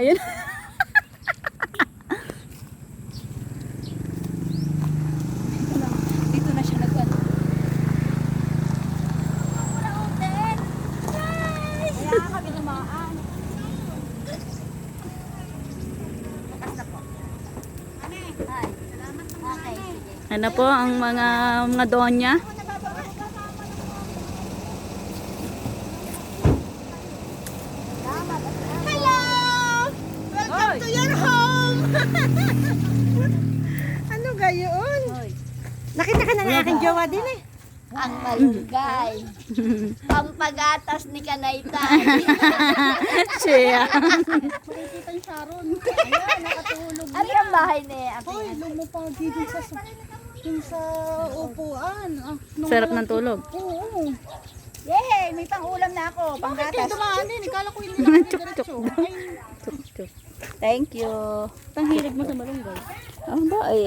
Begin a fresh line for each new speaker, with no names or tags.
Ayun. Dito na siya nag-ano.
Kaya kami lumaan. Okay, sige.
Ano po ang mga donya?
Hello! Welcome to your home! Ano gayon? Nakita ka na ng aking jowa din eh. Ang malunggay. Pampagatas ni Kanaytay.
Siya.
Makikita yung Sharon. Ayan, nakatulog na. Ano yung bahay ni Ate?
Hoy, lumapagi dun sa upuan.
Sarap ng tulog.
Oo.
Yay! May pang-ulam na ako.
Bakit kayo
Panggatas.
dumaan din? Ikala ko hindi na
Chuk, chuk.
diretso. Ay,
Chuk, chuk. Thank you. Ang hilig mo sa malunggay. Ah, ba?